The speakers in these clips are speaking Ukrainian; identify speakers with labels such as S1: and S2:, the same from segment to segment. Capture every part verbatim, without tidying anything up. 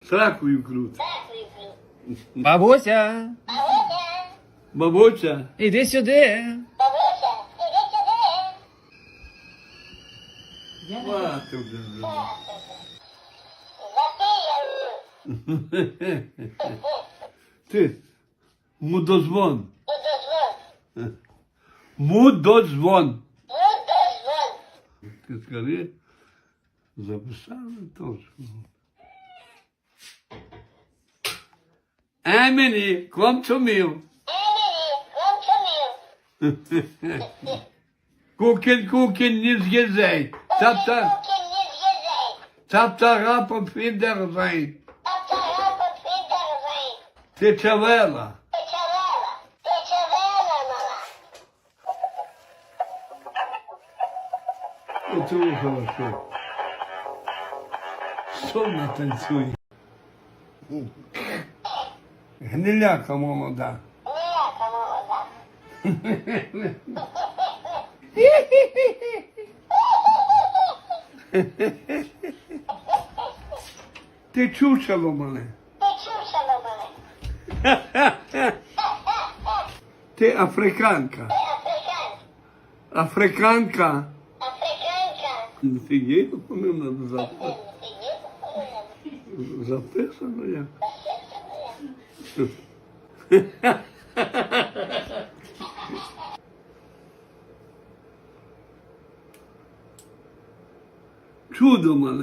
S1: Сракою крут.
S2: Бабуся,
S1: Бабуся.
S2: іди сюди.
S1: Мати вже зробила. Ти, мудозвон. Мудозвон. Ти скажи, записали точку. Емені, come to me. Kuchen, Kuchen, nicht gesehen. Zapta, Zapta, Rap und Wiedersehen. Течевела. Оце хорошо. Сонно танцює. Гниляка молода. Ти чучело мене. Ти африканка. Африканка. Фігей, вони надо записати. Записано я. Чудо мене.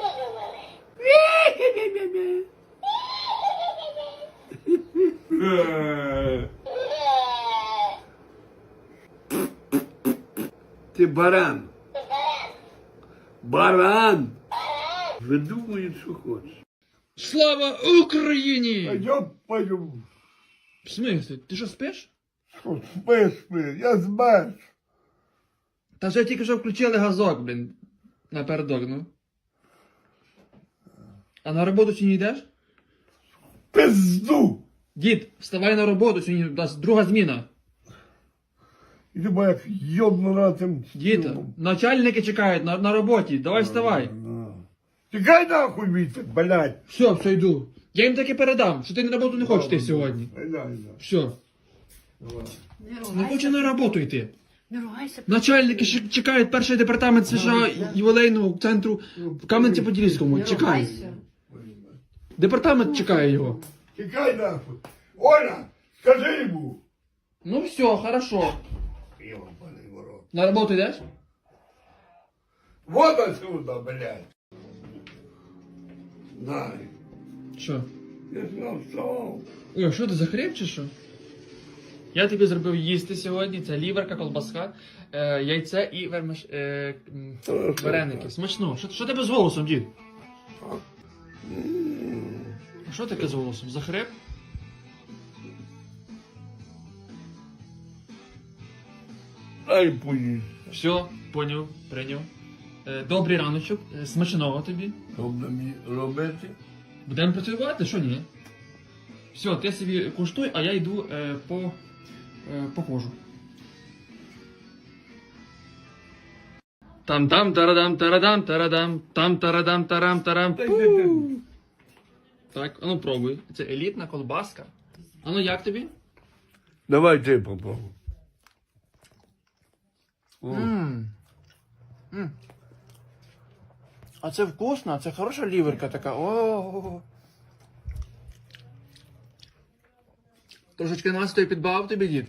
S1: Ти баран. Баран. Видумує, що хочеш.
S2: Слава Україні!
S3: Я пою.
S2: В смислі? Ти що, спиш?
S3: Що спи, спи, я змерз.
S2: Та вже тільки що включили газок, блін. Напередок, ну. А на роботу чи не йдеш?
S3: Пизду.
S2: Дід, вставай на роботу, сьогодні у нас друга зміна.
S3: Іди бо як йобнура тим.
S2: Діда, начальники чекають на, на роботі, давай вставай.
S3: Тікай нахуй віце, блядь.
S2: Все, все, йду. Я їм таки передам, що ти на роботу не хочеш йти сьогодні. Все. Не хоче на роботу йти.
S4: Не ругайся.
S2: Начальники ще чекають перший департамент США ювілейного центру в Кам'янці-Подільському. Чекай.
S4: ругайся.
S2: Департамент чекає його.
S3: Тікай нахуй. Оля, скажи йому.
S2: Ну все, хорошо.
S3: Йобаний ворот.
S2: На роботу йдеш?
S3: Вот отсюда, блядь.
S1: Дай.
S2: Що?
S1: Я ж навстав.
S2: Ой, що ти захріп чи що? Я тобі зробив їсти сьогодні. Це ліверка, колбаска, е, яйце і вермиш, е, м, вареники. Смачно. Що, що тебе з голосом, дід? А що таке з голосом? Захрип?
S1: Дай поїсть.
S2: Все, поняв, прийняв. Е, добрий раночок, е, смачного тобі.
S1: Що мені робити?
S2: Будемо працювати, що ні? Все, ти собі куштуй, а я йду е, по, е, походжу. Там там тарадам тарадам тарадам там тарадам тарам тарам.
S1: Дай дитину.
S2: Пу. Так, а ну пробуй. Це елітна колбаска. А ну як тобі?
S1: Давай ти попробуй. О.
S2: Ммм. Ммм. А це вкусно, це хороша ліверка така. О. Трошечки настою підбав тобі, дід.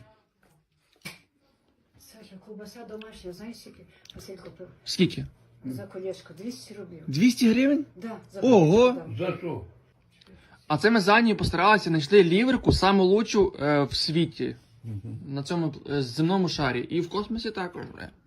S4: Саша, ковбаса домашня, знаєш, скільки Василь купив?
S2: Скільки?
S4: За колечко, двісті рублів.
S2: двісті гривень?
S4: Да, за
S2: Ого!
S4: колечко, да.
S1: За що?
S2: А це ми за нею постаралися, знайшли ліверку саму лучшу е, в світі. На цьому е, земному шарі. І в космосі також. Бля.